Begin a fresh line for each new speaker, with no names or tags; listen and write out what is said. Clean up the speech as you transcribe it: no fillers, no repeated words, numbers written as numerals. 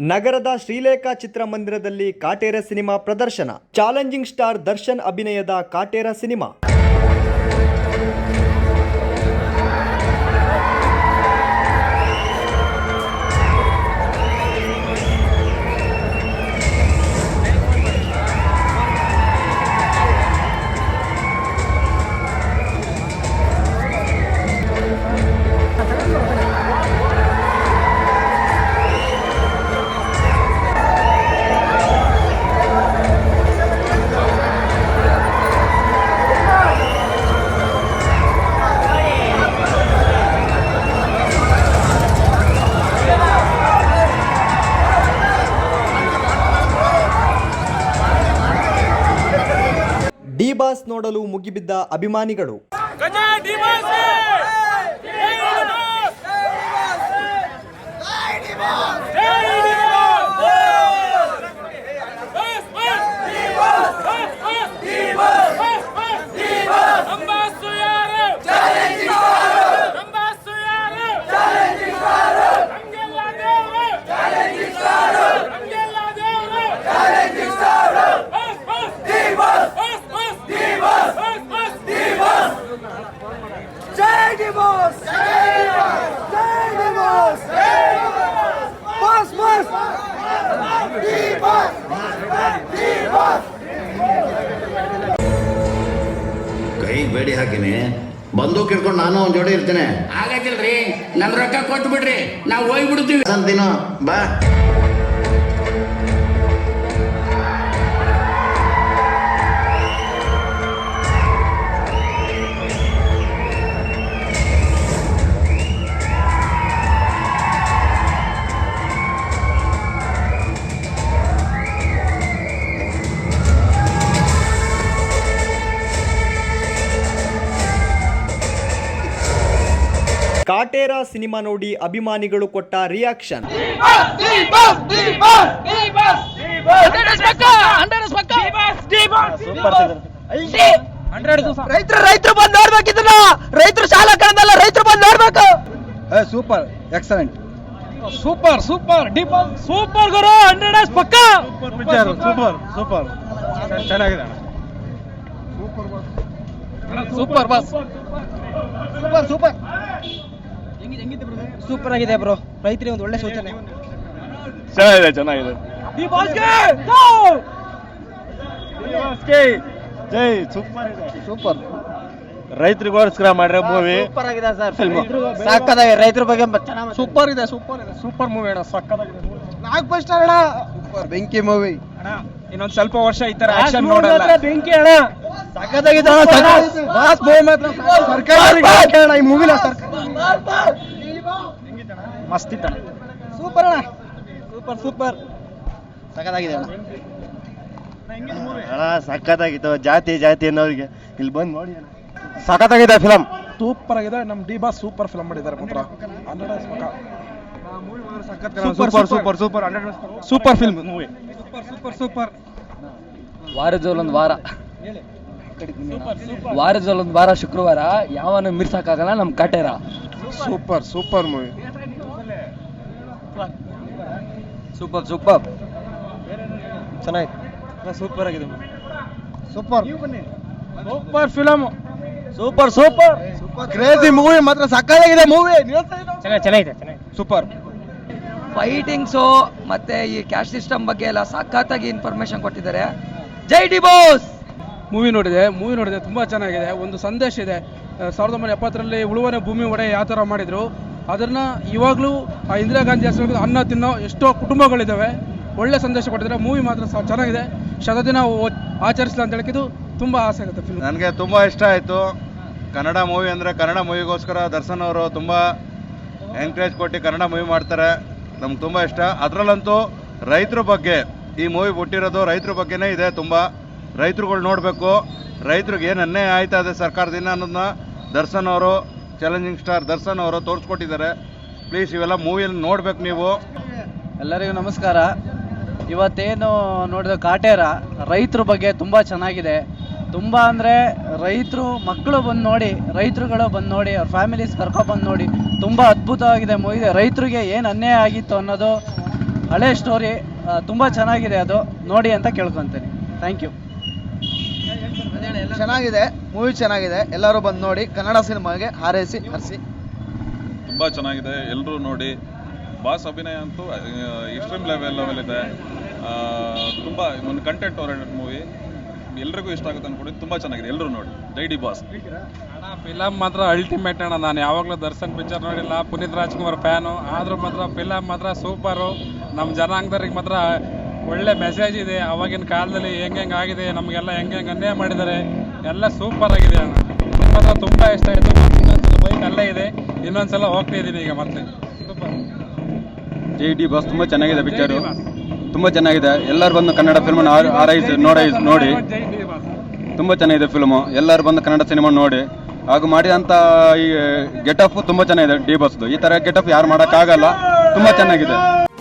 ನಗರದ ಶ್ರೀಲೇಖಾ ಚಿತ್ರಮಂದಿರದಲ್ಲಿ ಕಾಟೇರ ಸಿನಿಮಾ ಪ್ರದರ್ಶನ. ಚಾಲೆಂಜಿಂಗ್ ಸ್ಟಾರ್ ದರ್ಶನ್ ಅಭಿನಯದ ಕಾಟೇರ ಸಿನಿಮಾ. ಡಿ ಬಾಸ್ ನೋಡಲು ಮುಗಿಬಿದ್ದ ಅಭಿಮಾನಿಗಳು.
ಕೈ ಬೇಡಿ ಹಾಕಿನಿ, ಬಂದೂಕ್ ಹಿಡ್ಕೊಂಡು ನಾನು ಒಂದ್ ಜೋಡಿ ಇರ್ತೇನೆ.
ಆಗತ್ತಿಲ್ರಿ, ನನ್ನ ರೊಕ್ಕ ಕೊಟ್ಟು ಬಿಡ್ರಿ, ನಾವು ಹೋಗ್ಬಿಡ್ತೀವಿ
ಅಂತೀನೋ ಬಾ.
ಕಾಟೇರ ಸಿನಿಮಾ ನೋಡಿ ಅಭಿಮಾನಿಗಳು ಕೊಟ್ಟ ರಿಯಾಕ್ಷನ್.
ರೈತರು ಬಂದು ನೋಡ್ಬೇಕಿದ್ದ, ರೈತರು ಶಾಲಾ ಕಣದಲ್ಲ, ರೈತರು ಬಂದು ನೋಡ್ಬೇಕು. Super, excellent, super super super ಗುರು, 100 ಪಕ್ಕ ಸೂಪರ್ ಸೂಪರ್ ಚೆನ್ನಾಗಿದೆ, super boss, super super super ಆಗಿದೆ ಬ್ರೋ. ರೈತರಿಗೆ ಒಂದು ಒಳ್ಳೆ ಸೂಚನೆ.
ಚೆನ್ನಾಗಿದೆ. ಜೈ, ಸೂಪರ್ ಇದೆ, ಸೂಪರ್. ರೈತರಿಗೋಸ್ಕರ ಮಾಡ್ರೆ ಮೂವಿ
ಸೂಪರ್ ಆಗಿದೆ ಸರ್. ಸಾಕಾಗಿದೆ, ರೈತರ ಬಗ್ಗೆ ಸೂಪರ್ ಇದೆ, ಸೂಪರ್ ಇದೆ, ಸೂಪರ್ ಮೂವಿ ಅಣ್ಣ, ಸಕ್ಕತ್ತಾಗಿದೆ. ನಾಲ್ಕು ಫಸ್ಟ್ ಅಣ್ಣ, ಸೂಪರ್ ಬೆಂಕಿ ಮೂವಿ ಅಣ್ಣ. ಇನ್ನೊಂದು ಸ್ವಲ್ಪ ವರ್ಷ ಈ ತರ ಆಕ್ಷನ್ ನೋಡಲ್ಲ, ಬೆಂಕಿ ಅಣ್ಣ, ಸಕ್ಕತ್ತಾಗಿದೆ ಅಣ್ಣ. ಬಾಸ್ ಮೂವಿ ಮಾತ್ರ ಸರ್ಕಾರ ಅಣ್ಣ, ಈ ಮೂವಿನ ಸರ್ಕಾರ ಮಸ್ತ್ ಇತ್ತಣ್ಣ, ಸೂಪರ್ ಅಣ್ಣ, ಸೂಪರ್ ಸೂಪರ್ ಸಕ್ಕತ್ತಾಗಿದೆ ಅಣ್ಣ.
ಸಖತ್ತಾಗಿತ್ತು. ಜಾತಿ ಅನ್ನೋರಿಗೆ ಇಲ್ಲಿ ಬಂದು ನೋಡಿ ಅಣ್ಣ,
ಸಖತ್ತಾಗಿದೆ ಫಿಲಮ್, ಸೂಪರ್ ಆಗಿದೆ. ನಮ್ ಡಿ ಬಾಸ್ ಸೂಪರ್ ಫಿಲಮ್ ಮಾಡಿದ್ದಾರೆ ಮಾತ್ರ. Super super super super film movie, super super.
ವಾರದಲ್ಲೊಂದು ವಾರ ಶುಕ್ರವಾರ ಯಾವನು ಮಿರ್ಸಕ್ಕಾಗಲ್ಲ ನಮ್ Kaatera.
Super super movie,
super super
ಚೆನ್ನಾಗಿದೆ, ಸೂಪರ್ ಆಗಿದೆ, super super film, super super crazy movie ಮಾತ್ರ, ಸಕ್ಕತ್ತಾಗಿದೆ ಮೂವಿ, ಚೆನ್ನಾಗಿದೆ, ಸೂಪರ್.
ಫೈಟಿಂಗ್ಸು ಮತ್ತೆ ಈ ಕ್ಯಾಶ್ ಸಿಸ್ಟಮ್ ಬಗ್ಗೆ ಎಲ್ಲ ಸಖತ್ತಾಗಿ ಇನ್ಫಾರ್ಮೇಶನ್ ಕೊಟ್ಟಿದ್ದಾರೆ. ಜೈ ಡಿ ಬಾಸ್.
ಮೂವಿ ನೋಡಿದೆ ತುಂಬ ಚೆನ್ನಾಗಿದೆ. ಒಂದು ಸಂದೇಶ ಇದೆ. 1970ರಲ್ಲಿ ಉಳುವನೆ ಭೂಮಿ ಒಡೆ ಯಾವ ಥರ ಮಾಡಿದ್ರು ಅದನ್ನ ಇವಾಗಲೂ ಇಂದಿರಾ ಗಾಂಧಿ ಹೆಸರು ಅನ್ನ ತಿನ್ನೋ ಎಷ್ಟೋ ಕುಟುಂಬಗಳಿದ್ದಾವೆ. ಒಳ್ಳೆ ಸಂದೇಶ ಕೊಟ್ಟಿದ್ದಾರೆ. ಮೂವಿ ಮಾತ್ರ ಚೆನ್ನಾಗಿದೆ. ಶತದಿನ ಆಚರಿಸಲ ಅಂತ ಹೇಳಿದ್ದು ತುಂಬ ಆಸೆ ಆಗುತ್ತೆ ಫಿಲ್ಮ್.
ನನಗೆ ತುಂಬ ಇಷ್ಟ ಆಯಿತು. ಕನ್ನಡ ಮೂವಿ ಅಂದರೆ ಕನ್ನಡ ಮೂವಿಗೋಸ್ಕರ ದರ್ಶನ್ ಅವರು ತುಂಬ ಎಂಕರೇಜ್ ಕೊಟ್ಟು ಕನ್ನಡ ಮೂವಿ ಮಾಡ್ತಾರೆ. ನಮ್ಗೆ ತುಂಬ ಇಷ್ಟ. ಅದರಲ್ಲಂತೂ ರೈತರ ಬಗ್ಗೆ ಈ ಮೂವಿ ಬಿಟ್ಟಿರೋದು ರೈತರ ಬಗ್ಗೆನೇ ಇದೆ. ತುಂಬ ರೈತರುಗಳು ನೋಡಬೇಕು, ರೈತರಿಗೆ ಏನು ಅನ್ಯಾಯ ಆಯ್ತಾ ಇದೆ ಸರ್ಕಾರದಿಂದ ಅನ್ನೋದನ್ನ ದರ್ಶನ್ ಅವರು, ಚಾಲೆಂಜಿಂಗ್ ಸ್ಟಾರ್ ದರ್ಶನ್ ಅವರು ತೋರಿಸ್ಕೊಟ್ಟಿದ್ದಾರೆ. ಪ್ಲೀಸ್ ಇವೆಲ್ಲ ಮೂವಿಯಲ್ಲಿ ನೋಡ್ಬೇಕು ನೀವು.
ಎಲ್ಲರಿಗೂ ನಮಸ್ಕಾರ. ಇವತ್ತೇನು ನೋಡಿದ ಕಾಟೇರ ರೈತರ ಬಗ್ಗೆ ತುಂಬ ಚೆನ್ನಾಗಿದೆ. ತುಂಬ ಅಂದರೆ ರೈತರು ಮಕ್ಕಳು ಬಂದು ನೋಡಿ, ರೈತರುಗಳು ಬಂದು ನೋಡಿ, ಅವ್ರ ಫ್ಯಾಮಿಲೀಸ್ ಕರ್ಕೊಬಂದು ನೋಡಿ. ತುಂಬ ಅದ್ಭುತವಾಗಿದೆ ಮೂವಿ. ರೈತರಿಗೆ ಏನು ಅನ್ಯಾಯ ಆಗಿತ್ತು ಅನ್ನೋದು ಹಳೆ ಸ್ಟೋರಿ ತುಂಬ ಚೆನ್ನಾಗಿದೆ, ಅದು ನೋಡಿ ಅಂತ ಕೇಳ್ಕೊತೀನಿ. Thank you.
ಚೆನ್ನಾಗಿದೆ, ಮೂವಿ ಚೆನ್ನಾಗಿದೆ, ಎಲ್ಲರೂ ಬಂದು ನೋಡಿ. ಕನ್ನಡ ಸಿನಿಮಾಗೆ ಹಾರೈಸಿ ಹರಿಸಿ.
ತುಂಬ ಚೆನ್ನಾಗಿದೆ, ಎಲ್ಲರೂ ನೋಡಿ. ಬಾಸ್ ಅಭಿನಯ ಅಂತೂ ಎಕ್ಸ್ಟ್ರೀಮ್ ಲೆವೆಲ್ ಇದೆ. ತುಂಬ ಒಂದು ಕಂಟೆಂಟ್ ಓರಿಯೆಂಟೆಡ್ ಮೂವಿ, ಎಲ್ರಿಗೂ ಇಷ್ಟ ಆಗುತ್ತೆ ಅನ್ಕೊಂಡಿದ್ದು. ತುಂಬ ಚೆನ್ನಾಗಿದೆ, ಎಲ್ಲರೂ ನೋಡಿ. ಜೈ ಡಿ ಬಾಸ್.
ಫಿಲಮ್ ಮಾತ್ರ ಅಲ್ಟಿಮೇಟ್ ಅಣ್ಣ. ನಾನು ಯಾವಾಗಲೂ ದರ್ಶನ್ ಪಿಕ್ಚರ್ ನೋಡಿಲ್ಲ, ಪುನೀತ್ ರಾಜ್ಕುಮಾರ್ ಫ್ಯಾನು, ಆದರೂ ಮಾತ್ರ ಫಿಲಮ್ ಮಾತ್ರ ಸೂಪರು. ನಮ್ಮ ಜನಾಂಗದವ್ರಿಗೆ ಮಾತ್ರ ಒಳ್ಳೆ ಮೆಸೇಜ್ ಇದೆ. ಆವಾಗಿನ ಕಾಲದಲ್ಲಿ ಹೆಂಗೆ ಆಗಿದೆ, ನಮಗೆಲ್ಲ ಹೆಂಗೆ ಅನ್ಯಾಯ ಮಾಡಿದ್ದಾರೆ, ಎಲ್ಲ ಸೂಪರ್ ಆಗಿದೆ ಅಣ್ಣ. ಮಾತ್ರ ತುಂಬ ಇಷ್ಟ ಆಯಿತು. ಇನ್ನೊಂದ್ಸಲ ಬೈಕ್ ಅಲ್ಲೇ ಇದೆ, ಇನ್ನೊಂದ್ಸಲ ಹೋಗ್ತಾ ಇದ್ದೀನಿ ಈಗ ಮತ್ತೆ. ಸೂಪರ್.
ಜೈ ಡಿ ಬಾಸ್ ತುಂಬ ಚೆನ್ನಾಗಿದೆ ಪಿಕ್ಚರು, ತುಂಬ ಚೆನ್ನಾಗಿದೆ. ಎಲ್ಲರೂ ಬಂದು ಕನ್ನಡ ಫಿಲ್ಮನ್ನು ನೋಡಿ. ತುಂಬ ಚೆನ್ನಾಗಿದೆ ಫಿಲ್ಮು, ಎಲ್ಲರೂ ಬಂದು ಕನ್ನಡ ಸಿನಿಮಾ ನೋಡಿ. ಹಾಗೂ ಮಾಡಿದಂಥ ಈ ಗೆಟಪ್ ತುಂಬ ಚೆನ್ನಾಗಿದೆ ಡಿ ಬಾಸ್ದು. ಈ ಥರ ಗೆಟಪ್ ಯಾರು ಮಾಡೋಕ್ಕಾಗಲ್ಲ, ತುಂಬ ಚೆನ್ನಾಗಿದೆ.